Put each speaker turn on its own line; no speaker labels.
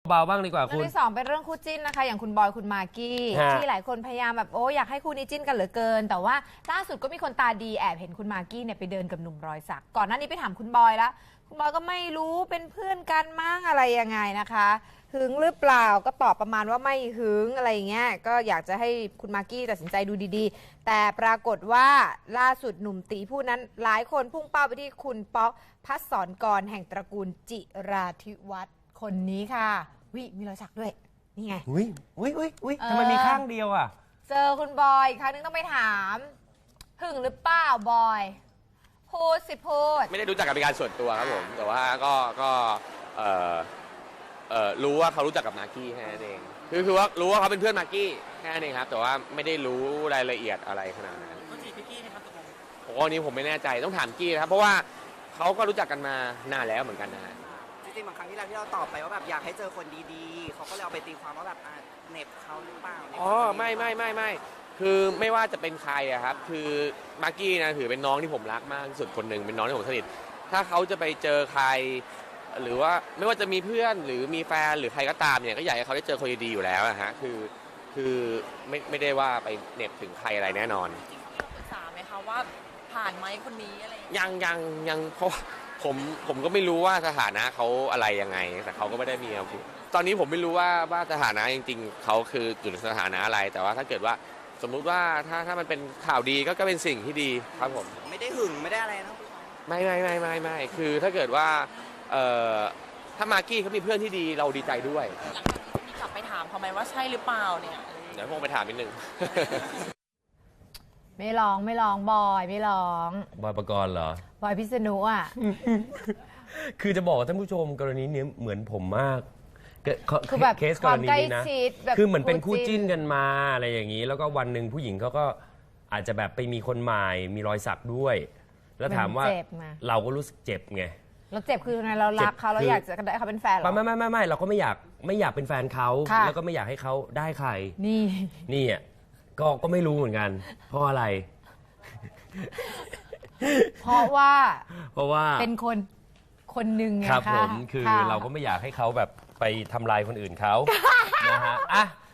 เบาบ้างดีกว่าคุณ
เรื่องที่สองเป็นเรื่องคู่จิ้นนะคะอย่างคุณบอยคุณมากกี้ที่หลายคนพยายามแบบอยากให้คู่นี้จิ้นกันเหลือเกินแต่ว่าล่าสุดก็มีคนตาดีแอบเห็นคุณมากกี้เนี่ยไปเดินกับหนุ่มรอยสักก่อนหน้านี้ไปถามคุณบอยแล้วคุณบอยก็ไม่รู้เป็นเพื่อนกันมั้งอะไรยังไงนะคะหึงหรือเปล่าก็ตอบประมาณว่าไม่หึงอะไรอย่างเงี้ยก็อยากจะให้คุณมากกี้ตัดสินใจดูดีๆแต่ปรากฏว่าล่าสุดหนุ่มตีผู้นั้นหลายคนพุ่งเป้าไปที่คุณป๊อกพัศรกรแห่งตระกูลจิราธิวัฒน์คนนี้ค่ะวิมีรอยสักด้วยนี่ไง
อุ้ยทำไมมีข้างเดียวอ่ะ
เจอคุณบอยอีกครั้งนึงต้องไปถามหึงหรือเปล่าบอยพูดสิพูด
ไม่ได้รู้จักกันเป็นการส่วนตัวครับผมแต่ว่าก็รู้ว่าเขารู้จักกับมากกี้แค่นั้นเองคือว่ารู้ว่าเขาเป็นเพื่อนมากกี้แค่นั้นเองครับแต่ว่าไม่ได้รู้รายละเอียดอะไรขนาดนั้น
เขาจีบพี่กี้นะครับตกลง
โอ้อันนี้ผมไม่แน่ใจต้องถามกี้นะครับเพราะว่าเขาก็รู้จักกันมานานแล้วเหมือนกันนะ
จริงๆบางครั้งที่เราตอบไปว่าแบบอยากให้เจอคนดีๆเขาก็เลยเอาไปตีความว่าแบบเหน็บเขาหรือเปล่า
อ๋อไม่คือไม่ว่าจะเป็นใครอะครับคือมากกี้นะถือเป็นน้องที่ผมรักมากที่สุดคนหนึ่งเป็นน้องที่ผมสนิทถ้าเขาจะไปเจอใครหรือว่าไม่ว่าจะมีเพื่อนหรือมีแฟนหรือใครก็ตามเนี่ยก็อยากให้เขาได้เจอคนดีๆอยู่แล้วนะฮะคือไม่ได้ว่าไปเหน็บถึงใครอะไรแน่นอน
ปรึกษาไหมคะว่าผ่านไหมคนนี้อะไร
ยังเพราะผมก็ไม่รู้ว่าสถานะเขาอะไรยังไงแต่เขาก็ไม่ได้มีอะไรตอนนี้ผมไม่รู้ว่าสถานะจริงๆเขาคืออยู่ในสถานะอะไรแต่ว่าถ้าเกิดว่าสมมุติว่าถ้ามันเป็นข่าวดีก็เป็นสิ่งที่ดีครับผม
ไม่ได้หึงไม่ได้อะไรนะ
ไม่คือถ้าเกิดว่าถ้ามากกี้เขามีเพื่อนที่ดีเราดีใจด้วย
หลังจากนี้มีกลับไปถามเขาไหมว่าใช่หรือเปล่าเนี่ย
เดี๋ยวผมไปถามนิดนึง
ไม่ร้องบอยไม่ร้อง
บอยปกรณ์เหรอบ
อยพิษณุอ่ะ
คือจะบอกท่านผู้ชมกรณีนี้เหมือนผมมาก
คือแบบ
เคสกรณีนี้นะคือเหมือนเป็นคู่จิ้นกันมาอะไรอย่างนี้แล้วก็วันหนึ่งผู้หญิงเขาก็อาจจะแบบไปมีคนใหม่มีรอยสักด้วยแล้วถามว่าเราก็รู้สึกเจ็บไง
เราเจ็บคือไงเรารักเขาเราอยากจะได้เขาเป็นแฟนหรอ
ไม่เราก็ไม่อยากเป็นแฟนเขาแล้วก็ไม่อยากให้เขาได้ใครนี่อ่ะก็ไม่รู้เหมือนกันเพราะอะไร
เพราะว่า
เป็น
คนหนึ่งไง
ครับผมคือเราก็ไม่อยากให้เขาแบบไปทำลายคนอื่นเขานะฮะอ่ะ